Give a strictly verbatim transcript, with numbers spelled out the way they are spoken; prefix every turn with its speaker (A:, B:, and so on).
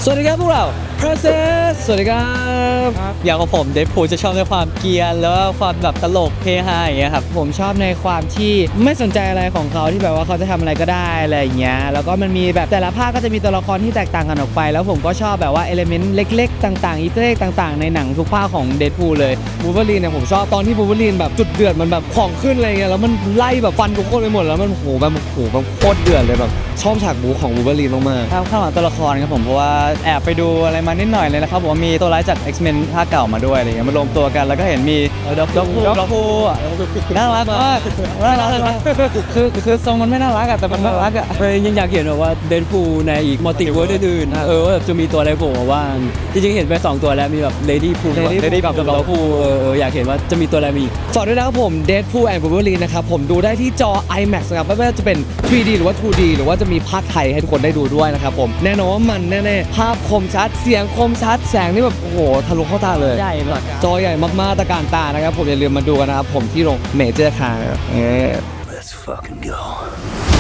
A: สวัสดีครับพวกเรา Process สวัสดีครับอย่างของผมเดดพูลจะชอบในความเกรียนแล้วก็ความแบบตลกเฮฮาอย่างเงี้ยครับผมชอบในความที่ไม่สนใจอะไรของเขาที่แบบว่าเขาจะทำอะไรก็ได้อะไรอย่างเงี้ยแล้วก็มันมีแบบแต่ละภาคก็จะมีตัวละครที่แตกต่างกันออกไปแล้วผมก็ชอบแบบว่าเอลิเมนต์เล็กๆต่างๆอีสเตอร์เอ็กต่างๆในหนังทุกภาคของเดดพูลเลยบูเบอรีนเนี่ยผมชอบตอนที่บูเบอรีนแบบจุดเดือดมันแบบของขึ้นอะไรเงี้ยแล้วมันไล่แบบฟันทุกคนไปหมดแล้วมันโหแบบโหแบบโคตรเดือดเลยแบบชอบฉากบูของบูเบอรีนมากๆครับข้างหลังตัวละครครับผมเพราะว่าแอบไปดูอะไรมานิดหน่อยเลยนะครับผมมีตัวร้ายจาก X-Men ภาคเก่ามาด้วยอะไรเงี้ยมารวมตัวกันแล้วก็เห็นมีด็อกด็อกด็อกพูน่ารักมากน่ารักมากคือคือทรงมันไม่น่ารักอะแต่มันน่ารักอะ
B: ยังอยากเห็นแบบว่าเดนพูลในอีกมัลติเวิร์สอื่นๆเออว่าจะมีตัวอะไรโผล่มาบ้างจริงๆเห็นไปสองตัวแล้วมีแบบเลดี้พูลกับด็อกพูลเอออยากเห็นว่าจะมีตัวอะไรมาอีก
A: ฝากด้วยนะครับผม Deadpool and Wolverine นะครับผมดูได้ที่จอ IMAX นะครับไม่ว่าจะเป็น ทรี ดี หรือว่า ทู ดี หรือว่าจะมีภาคไทยให้ทุกคนได้ดูด้วยนะครับผมแน่นอนว่ามันแน่ๆภาพคมชัดเสียงคมชัดแสงนี่แบบโอ้โหทะลุเข้าตาเลย
B: ใหญ่แบบ
A: จอใหญ่มากๆตะการตานะครับผมอย่าลืมมาดูกันนะครับผมที่โรงเมเจอร์คาร์ Let's fucking go